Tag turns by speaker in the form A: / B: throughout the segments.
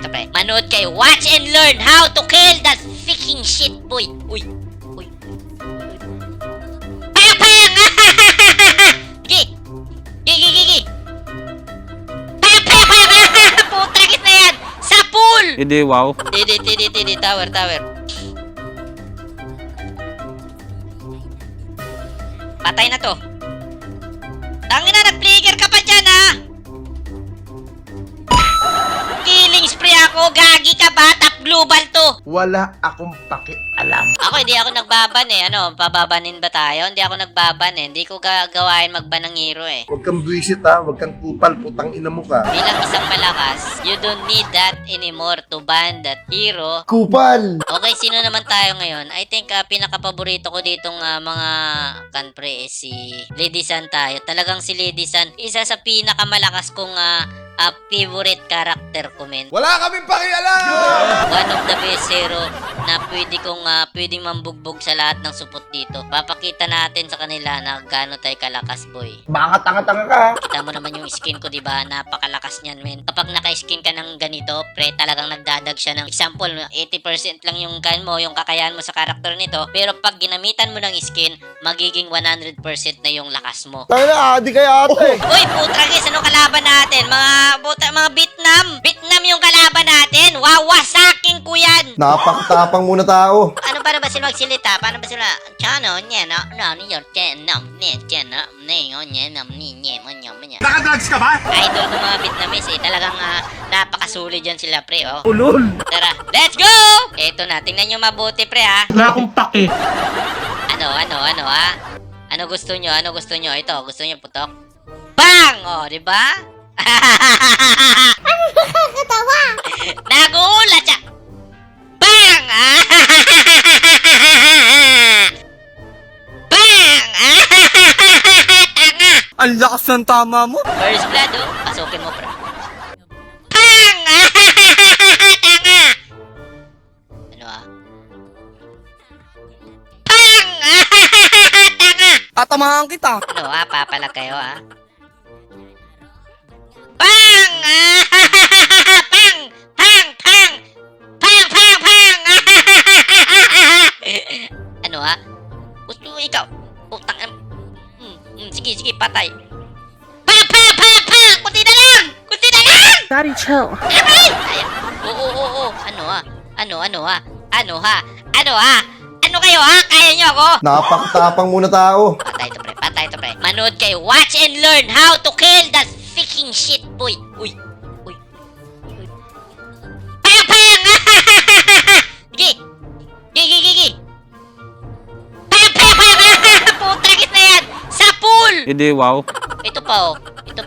A: ito, pre. Manood kayo. Watch and learn how to kill that freaking shit, boy. Uy. Uy. Pang! Pang! Gigi. Gigi, gigi. Pang! Pang! Pang! Putang na yan. Sa pool.
B: Hindi, wow.
A: Tidi. Tower. Patay na to. Tangina, nag-flicker ka pa dyan, ha? Killing spree ako. Gagi ka ba? Top global to.
C: Wala akong pakialam.
A: Ako, hindi ako nagbaban eh. Ano, pababanin ba tayo? Hindi ako nagbaban eh. Hindi ko gagawain magban ng hero eh.
C: Huwag kang buwisit ha, huwag kang kupal, putang ina mo ka.
A: Bilang isang malakas, you don't need that anymore to ban that hero.
C: Kupal!
A: Okay, sino naman tayo ngayon? I think pinaka-paborito ko ditong mga kanpre is si Lady San tayo. Talagang si Lady San, isa sa pinakamalakas kong favorite character ko, men.
C: Wala kaming pakialam!
A: One of the best hero na pwedeng mambugbog sa lahat ng supot dito. Papakita natin sa kanila na gaano tayo kalakas, boy.
C: Baka tanga-tanga ka.
A: Kita mo naman yung skin ko, diba? Napakalakas niyan, men. Kapag naka-skin ka ng ganito, pre, talagang nagdadag siya ng example, 80% lang yung yung kakayahan mo sa karakter nito. Pero pag ginamitan mo ng skin, magiging 100% na yung lakas mo.
C: Tayo na, adi kaya ate.
A: Uy, putragis, ano kalaban natin? Mga Vietnam yung kalaban natin. Wawasakin ko yan.
C: Napakatapang muna tao.
A: Paano ba sila magsilita? Paano ba sila? Chano, niya, no, niyo,
C: Nakadrugs ka ba?
A: idol ko mga Vietnamese eh. Talagang napakasulit dyan sila, pre, oh.
B: Ulol.
A: Tara, let's go! Eto na, tingnan nyo mabuti, pre, ha?
B: Wala akong pake.
A: Ano, ha? Ano gusto nyo? Ito, gusto nyo putok? Bang! Oh, di ba? Ano nakakatawa? Nagulat siya! Bang! Bang! Tanga!
B: Ang lakas ng tama mo.
A: First blood, oh. Pasukin mo, pre. Bang! Tanga! Ano, Bang! Tanga!
B: Tatamahan kita.
A: Ano, papalag kayo, Bang! Pang! Pang! Pang! Pang! Pang! Pang! Ano, gusto mo ikaw? Putang sige, patay. Pang! Pang! Pang! Pang! Kunti na lang!
D: Daddy, chill.
A: Aray! Ayan. Oo. Ano kayo, ha? Kaya nyo ako?
C: Napakatapang muna tao.
A: Patay to, pre. Manood kayo. Watch and learn how to kill that freaking shit, boy. Uy. Pang! Pang! Gigi. Pang! Pang! Pang! Putang na yan. Sa pool.
B: Hindi, wow.
A: Ito pa, oh.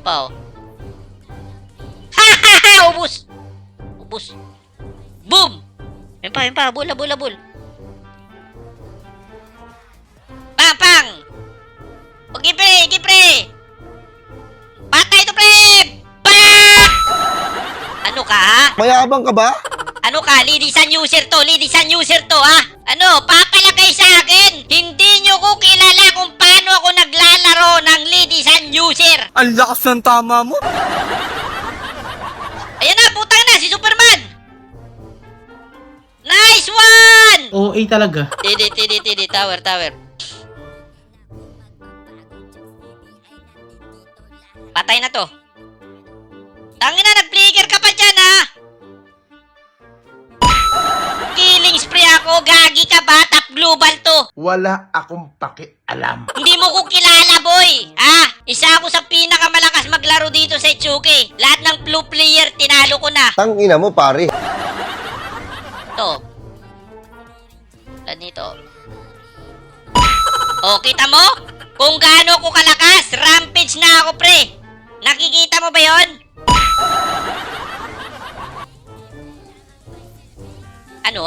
A: Ubus. Boom. Yan pa. Bula. Pang! Okay, pre. Patay to, pre! Bang! Ano ka, ha?
C: Mayabang ka ba?
A: Ano ka? Ladies and user to, ha? Ano? Papalagay sa akin! Hindi nyo ko kilala kung paano ako naglalaro ng ladies and user!
B: Ang lakas ng tama mo.
A: Ayan na, putang na, si Superman! Nice one!
B: OA talaga.
A: Tidi, tower. Patay na to. Tangina, nag-flicker ka pa dyan, ha? Killing spree ako. Gagi ka ba? Top global to.
C: Wala akong pakialam.
A: Hindi mo ko kilala, boy. Isa ako sa pinakamalakas maglaro dito sa Itsuki. Lahat ng blue player, tinalo ko na.
C: Tangina mo pare.
A: Ito. Ganito. O, kita mo? Kung gaano ko kalakas, rampage na ako, pre. Nakikita mo ba yon? Ano,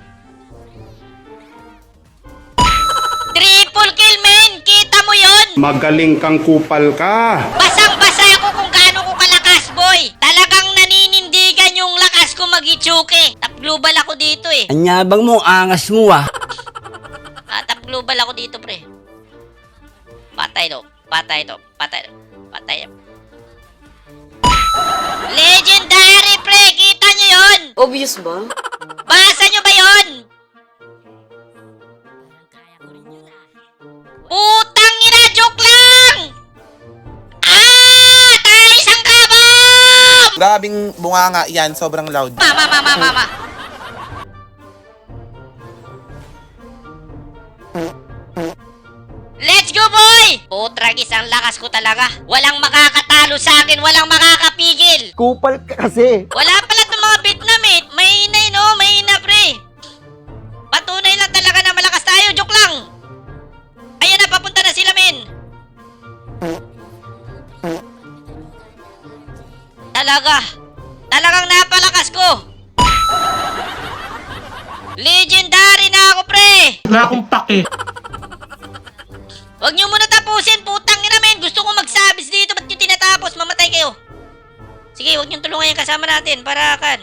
A: Triple kill, men! Kita mo yon?
E: Magaling kang kupal ka.
A: Basang-basa ako kung gaano ko kalakas, boy. Talagang naninindigan yung lakas ko mag-Itsuki. Top global ako dito, eh.
B: Anyabang mo, angas mo
A: Top global ako dito, pre. Patay to. Legendary, pre! Kita nyo yun?
D: Obvious ba?
A: Basa nyo ba yun? Putang ina, joke lang! Ah! Tayo isang kabam!
F: Grabing bunganga yan, sobrang loud.
A: Mama. Let's go, boy! Putragis, ang lakas ko talaga. Walang makakatalo sa akin, walang makakapigil.
C: Kupal ka kasi.
A: Wala pala itong mga Vietnam eh. Mahina no, mahina pre. Patunay lang talaga na malakas tayo, joke lang. Ayan na, papunta na sila, men. Talagang napalakas ko. Legendary na ako, pre.
B: Wala akong pake.
A: Huwag niyo muna tapusin, putang ina, men. Gusto ko magsabis dito, ba't nyo tinatapos? Mamatay kayo. Sige, huwag nyo tulungan yung kasama natin, para kan.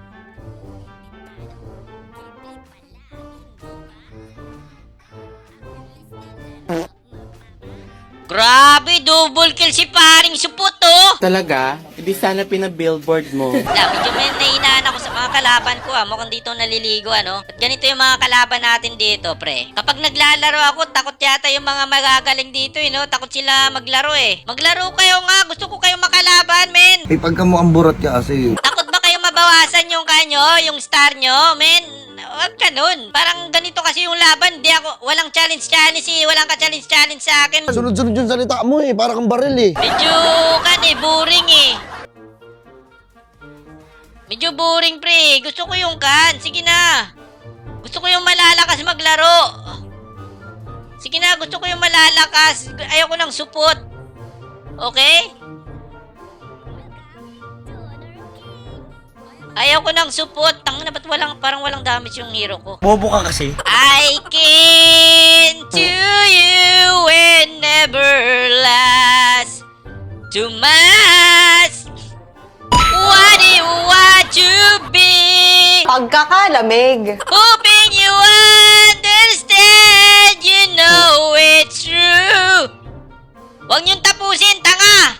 A: Grabe, double kill si paring supot, oh!
B: Talaga? Hindi sana pinabillboard mo.
A: Medyo may nahinaan ako sa mga kalaban ko, ah. Mukhang dito naliligo, ano? At ganito yung mga kalaban natin dito, pre. Kapag naglalaro ako, takot yata yung mga magagaling dito, no? Takot sila maglaro, eh. Maglaro kayo nga! Gusto ko kayong makalaban, men!
C: Ay, pagka mo ang burat ka kasi.
A: Takot ba kayo mabawasan yung kanyo, yung star nyo, men? Huwag ka nun. Parang ganito kasi yung laban. Di ako, walang challenge, eh. Walang ka-challenge sa akin.
C: Sunod-sunod yung salita mo eh. Para kang baril eh.
A: Medyo, boring eh. Medyo boring, pre. Gusto ko yung Sige na. Gusto ko yung malalakas maglaro. Sige na, gusto ko yung malalakas. Ayoko ng support. Okay? Ayaw ko ng support. Tangina, ba't parang walang damage yung hero ko?
B: Bobo ka kasi.
A: I can to you and never last too much. What do you want to be?
D: Pagkakalamig.
A: Hoping you understand, you know it's true. Huwag niyong tapusin, tanga!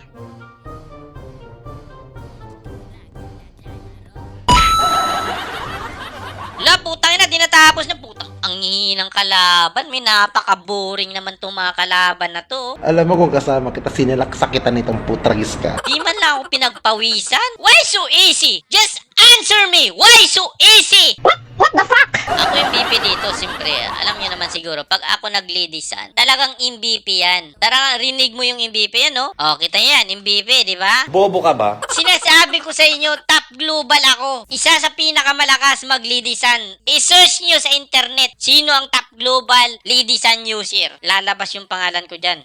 A: Wala, putang ina, di natapos na, putang. Ang hihinang kalaban, may napaka-boring naman itong mga kalaban na to.
C: Alam mo kung kasama kita, sinilaksa kita nitong putragis ka.
A: Di man lang ako pinagpawisan. Why so easy? Just answer me! Why so easy? What the fuck? Ako yung MVP dito, siyempre. Alam niyo naman siguro, pag ako nag-ladisan, talagang MVP yan. Tara, rinig mo yung MVP yan, no? O, kita yan, MVP, di ba?
F: Bobo ka ba?
A: Sinasabi ko sa inyo, top global ako. Isa sa pinakamalakas mag-ladisan. I-search nyo sa internet, sino ang top global ladisan user. Lalabas yung pangalan ko dyan.